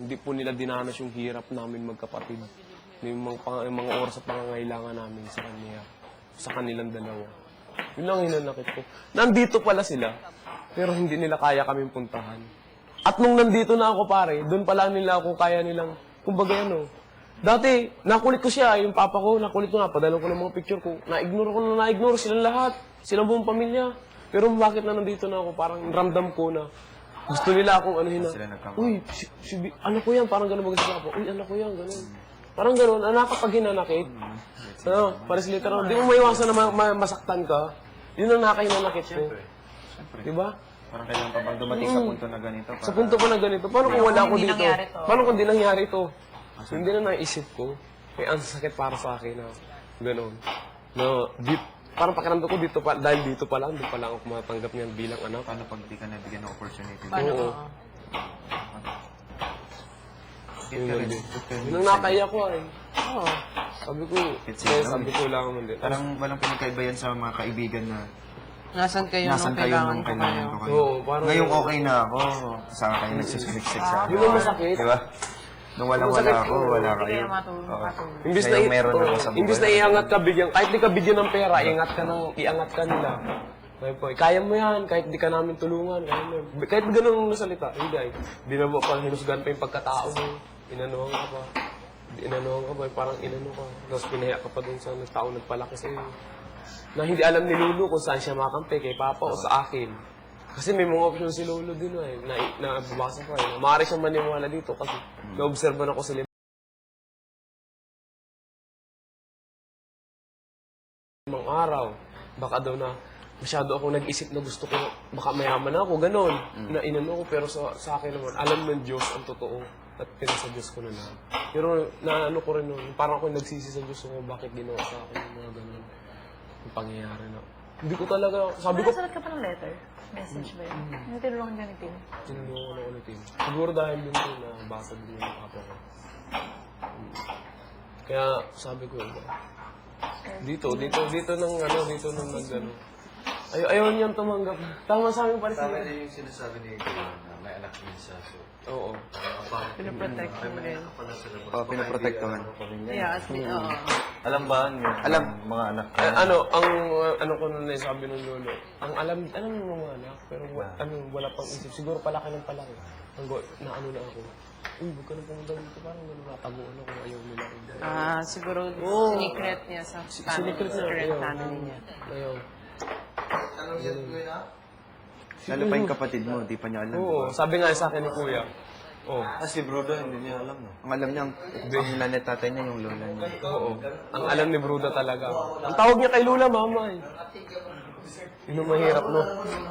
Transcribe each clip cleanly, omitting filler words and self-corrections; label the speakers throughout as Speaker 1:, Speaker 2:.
Speaker 1: Hindi po nila dinanas yung hirap namin magkapatid. Yung mga oras sa pangangailangan namin sa kanya, sa kanilang dalawa. Yun lang hinanakit ko. Nandito pala sila, pero hindi nila kaya kaming puntahan. At nung nandito na ako pare, doon pala nila ako kaya nilang, kumbaga dati, nakulit ko siya, yung papa ko, nakulit ko nga, padala ko ng mga picture ko. Na-ignore silang lahat, silang buong pamilya. Pero bakit na nandito na ako, parang ramdam ko na gusto nila akong anuhin na, uy, anak ko yan, parang gano'n mag-isip ako, uy, anak ko yan, gano'n. Parang gano'n, anak kapag hinanakit. Pares literal, di mo maiwasan na masaktan ka. Yun ang nakahinanakit ko. Diba?
Speaker 2: Parang kailangan pa bang dumating sa punto na ganito?
Speaker 1: Sa punto pa na ganito, paano kung wala ako dito? Paano kung di nangyari ito? Hindi na naisip ko. Kaya ang sakit para sa akin na gano'n. Parang pakiramdam ko dito pa, dahil dito pa lang, doon pa lang ako matanggap niyan bilang anak.
Speaker 2: Paano pag di ka nabigyan ng opportunity?
Speaker 1: Oo. Yun ang nakaiyak ko ay. Oo. Sabi ko lang naman din.
Speaker 2: Parang walang pinagkaiba yan sa mga kaibigan na
Speaker 3: Nasaan kayo
Speaker 2: nasan
Speaker 3: nung
Speaker 2: kayo
Speaker 3: kailangan
Speaker 2: nung
Speaker 3: ko
Speaker 2: kailangan
Speaker 3: kayo?
Speaker 2: ko kayo.
Speaker 1: Oo, parang...
Speaker 2: Ngayong okay na ako. Saan kayo nagsisiksik sa akin?
Speaker 1: Yun ang masakit.
Speaker 2: Diba? Nung walang-wala ako, wala
Speaker 3: Hindi
Speaker 2: kayo.
Speaker 3: kayo matulong.
Speaker 1: Imbis na,
Speaker 2: Ngayong meron ako sa buhay.
Speaker 1: imbis na iangat ka bigyan, kahit di ka bigyan ng pera, iangat ka nila. Kaya mo yan, kahit di ka namin tulungan, kaya mo yan. Kahit ganun ang salita, hindi ay. Binabo pa, hinusgan pa yung pagkatao mo. Inanuhan ka pa. Inanuhan ka pa, parang inano ka. Tapos pinahiya ka pa dun sa tao nagpalaki sa'yo. Na hindi alam ni Lulu kung saan siya makampi, kay Papa o sa akin. Kasi may mga option si Lolo din na bumasa ko eh. Maaari siyang maniwala dito kasi naobserban ako sa limang araw. Baka daw na masyado ako nag-isip na gusto ko, baka mayaman ako, ganon. Na inano ko, pero sa akin naman, alam ng Diyos ang totoo. At pinasa Diyos ko na lang. Pero naano ko rin nun, parang ako nagsisi sa Diyos ko, bakit ginawa sa akin yung mga ganon. Yung pangyayari na. Hindi ko talaga, sabi ko,
Speaker 4: Nakasalat ka pa ng letter? Message ba yun? Ano tinulungan ka ni Tim?
Speaker 1: tinulungan ko na ulitin. Siguro dahil yun ko na basa din yung papa ko. Kaya sabi ko, dito nang nagano. Ayaw niyang tumanggap. Tama sa amin pala
Speaker 5: Tama
Speaker 1: siya.
Speaker 5: din yung sinasabi ni Kuya na may anak din siya. So,
Speaker 1: Oo.
Speaker 3: Pinoprotect mo rin.
Speaker 2: Pinoprotektahan.
Speaker 3: Yeah, oo.
Speaker 5: alam ba niyo?
Speaker 2: Alam.
Speaker 5: Mga anak ko.
Speaker 1: Ano ko nun sabi ng lolo, ang alam ng mga anak, pero wala pang isip. Siguro palaki ng palaki. Na ano na ako. Uy, huwag ka na pumunta dito. Parang gano'n nataguan ako. Ayaw nila ako.
Speaker 3: Siguro sinikret niya sa
Speaker 1: Sinikret niya.
Speaker 3: secret
Speaker 1: Ayaw.
Speaker 3: family niya.
Speaker 1: Ayaw.
Speaker 2: Lalo pa yung kapatid mo, di pa niya alam.
Speaker 1: Oo, sabi nga sa akin ni Kuya. Oo.
Speaker 5: Si Broda, hindi niya alam. No?
Speaker 2: Ang alam niya, ang nanay tatay niya, yung lola niya.
Speaker 1: Oo. Ang alam ni Bruda talaga. Ang tawag niya kay Lula, mama eh. Yun ang mahirap, no?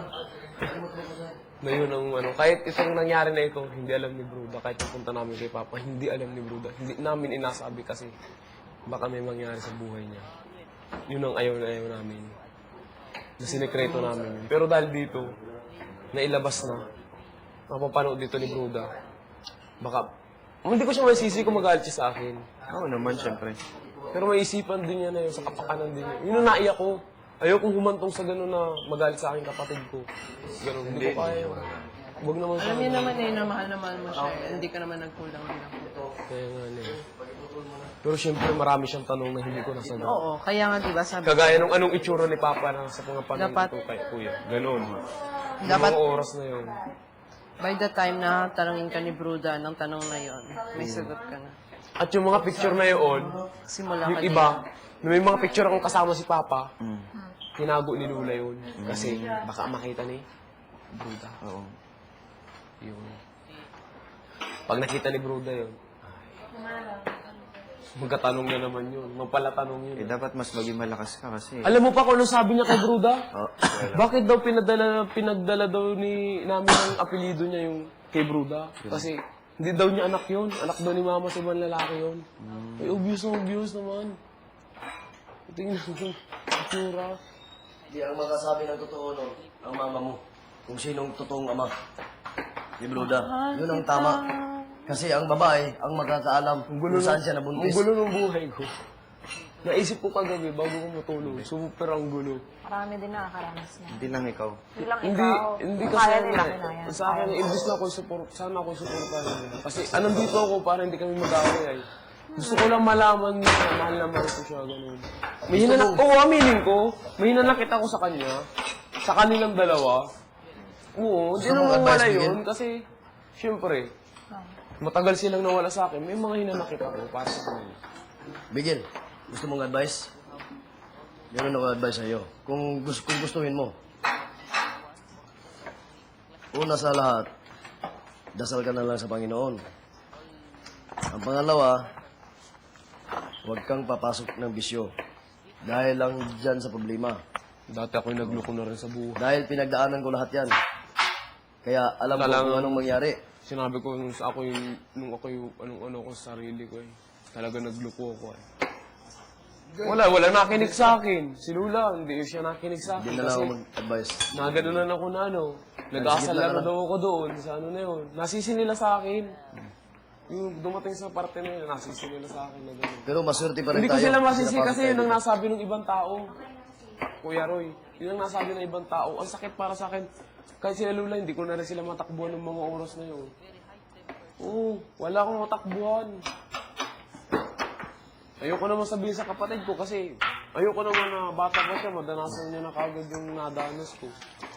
Speaker 1: Na yun ang kahit itong nangyari na ito, hindi alam ni Bruda. Kahit napunta namin kay Papa, hindi alam ni Bruda. Hindi namin inasabi kasi baka may mangyari sa buhay niya. Yun ang ayaw na ayaw namin. Na sinekreto namin yun. Pero dahil dito, nailabas na, mapapanood dito ni Bruda, baka, hindi ko siya masisi kung magalit siya sa akin.
Speaker 2: Oo naman, syempre.
Speaker 1: Pero may isipan din niya na yun, sa kapakanan din niya. Yun ang naiyak ko. Ayokong humantong sa gano'n na magalit sa akin kapatid ko. Gano'n, hindi ko kaya yun. Huwag naman
Speaker 3: Alam niya naman na mahal na mahal mo siya. Hindi ka naman nagkulang bilang puto.
Speaker 1: Kaya nga eh. Pero siyempre marami siyang tanong na hindi ko nasagot.
Speaker 3: Oo, kaya nga diba sabi
Speaker 1: Kagaya nung anong itsura ni Papa na sa mga panahon
Speaker 3: Dapat-
Speaker 1: ko kay Kuya. Gano'n.
Speaker 3: Dapat-
Speaker 1: Yung mga oras na yun.
Speaker 3: by the time na tanongin ka ni Bruda ng tanong na yon, may sagot ka na.
Speaker 1: At yung mga picture na yun,
Speaker 3: Simula
Speaker 1: yung
Speaker 3: ka
Speaker 1: iba, na may mga picture akong kasama si Papa, tinago ni Lula yun. Kasi baka makita ni Bruda.
Speaker 2: Oo.
Speaker 1: Yun. Pag nakita ni Bruda yun, magkatanong na naman yun. Magpalatanong yun.
Speaker 2: Eh, dapat mas maging malakas ka kasi.
Speaker 1: Alam mo pa kung ano sabi niya kay Bruda?
Speaker 2: Oh,
Speaker 1: Bakit daw pinagdala daw namin ang apelido niya yung kay Bruda? Kasi hindi daw niya anak yun. Anak daw ni Mama sa ibang lalaki yun. Ay, obvious naman. Tingnan mo, itsura.
Speaker 6: Hindi ang makasabi ng totoo nun, ang mama mo. Kung sinong totoong ama. Di Bruda. Yun ang tama. Kasi ang babae, ang magkakaalam kung saan siya
Speaker 1: Ang
Speaker 6: nabuntis.
Speaker 1: gulo ng buhay ko. Naisip ko kagabi bago ko matulog. Super ang gulo.
Speaker 4: Marami din nakakaranas na.
Speaker 2: Hindi lang ikaw.
Speaker 4: Hindi lang
Speaker 1: Hindi,
Speaker 4: ikaw.
Speaker 1: hindi
Speaker 4: Kaya
Speaker 1: kasi
Speaker 4: nila kinaya.
Speaker 1: sa akin, imbis na ako support, sana ako supportahan nila. Kasi anong ako para hindi kami mag-away ay. Gusto ko lang malaman na mahal na mahal ko siya, ganun. May hinanakit, oo, aminin ko, may hinanakit ako sa kanya, sa kanilang dalawa. Oo, hindi
Speaker 6: Gusto mong
Speaker 1: naman wala
Speaker 6: advice,
Speaker 1: yun, kasi, syempre, matagal silang nawala sa akin, may mga hinanakit ako para sa kanila.
Speaker 6: Bigil, gusto mong advice? Meron ako advice sa'yo. Kung gustuhin mo. Una sa lahat, dasal ka na lang sa Panginoon. Ang pangalawa, huwag kang papasok ng bisyo. Dahil lang dyan sa problema.
Speaker 1: Dati ako'y nagloko na rin sa buhay.
Speaker 6: Dahil pinagdaanan ko lahat yan. Kaya alam ko
Speaker 1: Talagang-
Speaker 6: kung anong mangyari.
Speaker 1: Sinabi ko nung ano ko sa sarili ko eh. Talaga nagloko ako eh. Wala nakinig sa akin. Si Lula, hindi siya nakinig sa akin.
Speaker 6: Hindi na lang ako
Speaker 1: Kasi
Speaker 6: mag-advise.
Speaker 1: naganonan ako na ano. Nag-aasal lang na daw ako doon. Sa ano na yun. Nasisi nila sa akin. Yung dumating sa parte na yun, nasisi nila sa akin na gano'n.
Speaker 6: Pero maswerte pa rin
Speaker 1: Hindi ko
Speaker 6: tayo.
Speaker 1: sila masisi
Speaker 6: Pinapasok
Speaker 1: kasi
Speaker 6: tayo
Speaker 1: yun ang
Speaker 6: dito.
Speaker 1: nasabi ng ibang tao. Kuya Roy, yun ang nasabi ng ibang tao. Ang sakit para sa akin. Kahit sila Lula, hindi ko na rin sila matakbuhan ng mga oras na yun. Oo, wala akong matakbuhan. Ayoko naman sabihin sa kapatid ko kasi ayoko naman na bata ko siya, madanasan niya na kagad yung nadanas ko.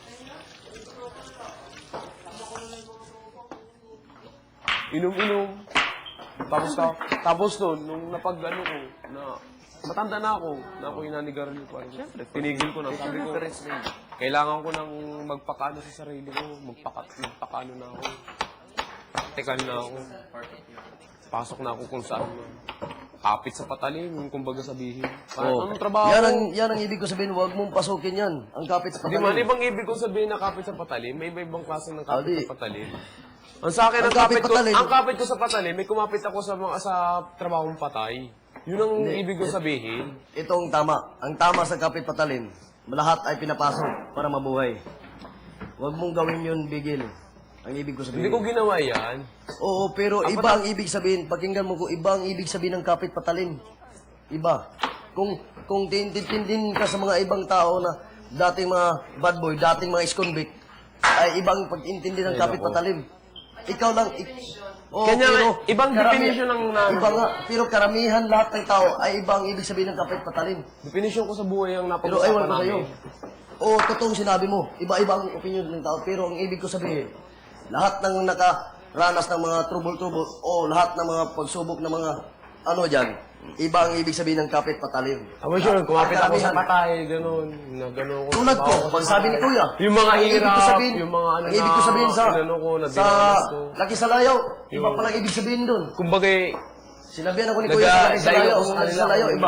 Speaker 1: Inom-inom. Tapos doon, nung napag-ano ko, na matanda na ako inanigarilyo pa. Tinigil ko na, sabi ko, kailangan ko nang magpakano sa sarili ko, magpakano na ako. Praktikal na ako. Pasok na ako kung saan man. Kapit sa patalim, yung kumbaga sabihin.
Speaker 6: Oo.
Speaker 1: Anong trabaho?
Speaker 6: Yan ang ibig ko sabihin, huwag mong pasukin yan. Ang kapit sa
Speaker 1: Di man,
Speaker 6: patalim.
Speaker 1: ibang ibig ko sabihin na kapit sa patalim, may iba-ibang klase ng kapit
Speaker 6: Di.
Speaker 1: sa patalim. Ang sa akin,
Speaker 6: Ang kapit patalim.
Speaker 1: ang kapit ko sa patalim, may kumapit ako sa trabahong patay. Yun ang ibig ko sabihin.
Speaker 6: Itong tama. Ang tama sa kapit patalim, lahat ay pinapasok para mabuhay. Huwag mong gawin yun, bigil. Ang ibig ko
Speaker 1: Hindi
Speaker 6: sabihin.
Speaker 1: ko ginawa yan.
Speaker 6: Oo, pero iba ang ibig sabihin. Pakinggan mo ko, iba ang ibig sabihin ng kapit patalim. Iba. Kung tintindin ka sa mga ibang tao na dating mga bad boy, dating mga ex-convict, ay ibang pag-intindi ng kapit patalim. Ikaw lang, oo,
Speaker 1: Kanya,
Speaker 6: pero
Speaker 1: ibang definition ng
Speaker 6: Iba nga, pero karamihan lahat ng tao ay ibang ibig sabihin ng kapit patalim.
Speaker 1: Definition ko sa buhay ang
Speaker 6: Pero aywan
Speaker 1: napag-usapan
Speaker 6: ko sa'yo.
Speaker 1: namin.
Speaker 6: Oo, totoong sinabi mo. Iba-iba ang opinion ng tao. Pero ang ibig ko sabihin, lahat ng nakaranas ng mga trouble-trouble o lahat ng mga pagsubok ng mga ano dyan, iba ang ibig sabihin ng kapit patalim.
Speaker 1: Tama siya, kumapit ako sa
Speaker 6: Karamihan.
Speaker 1: patay, gano'n. Na gano'n ko.
Speaker 6: Tulad ko,
Speaker 1: trabaho
Speaker 6: pag
Speaker 1: sa
Speaker 6: sabi ni
Speaker 1: patay.
Speaker 6: Kuya,
Speaker 1: Yung mga
Speaker 6: ang ibig ko
Speaker 1: hirap,
Speaker 6: sabihin-
Speaker 1: yung mga ano
Speaker 6: ang ibig ko sabihin sa,
Speaker 1: ano ko, na
Speaker 6: sa
Speaker 1: dinanas ko.
Speaker 6: Laki sa Layaw, iba
Speaker 1: Yung-
Speaker 6: palang ibig sabihin doon.
Speaker 1: Kumbaga,
Speaker 6: Sinabihan ako ni Kuya sa Laki sa
Speaker 1: Nagdayo
Speaker 6: Layaw,
Speaker 1: ko sa
Speaker 6: ang Laki
Speaker 1: kanila
Speaker 6: sa Layaw,
Speaker 1: kung-
Speaker 6: iba.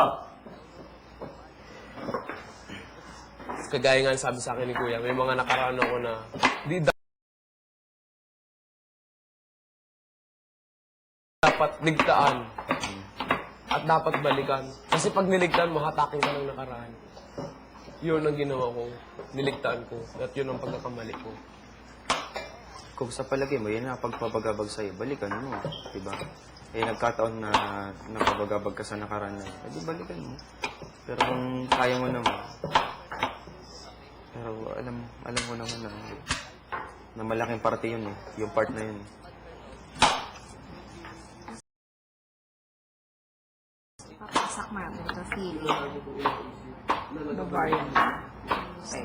Speaker 1: kagaya nga sabi sa akin ni Kuya, may mga nakaraan ako na dapat ligtaan at dapat balikan. Kasi pag niligtaan mo, hatakin ka ng nakaraan. Yun ang ginawa ko. Niligtaan ko. At yun ang pagkakamali ko.
Speaker 2: Kung sa palagay mo, yan ang pagpapagabag sa'yo, balikan mo. Diba? Eh, nagkataon na napabagabag ka sa nakaraan na, di balikan mo. Pero kung kaya mo naman, pero alam mo naman na malaking parte yun eh. Yung part na yun.
Speaker 4: Papasak natin ito, feeling. Bavarian. Okay.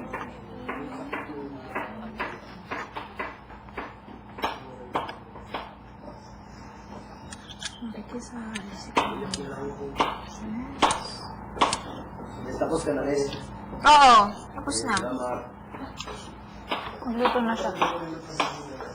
Speaker 6: Tapos ka na rin.
Speaker 4: Oo, tapos na. Magluto na siya.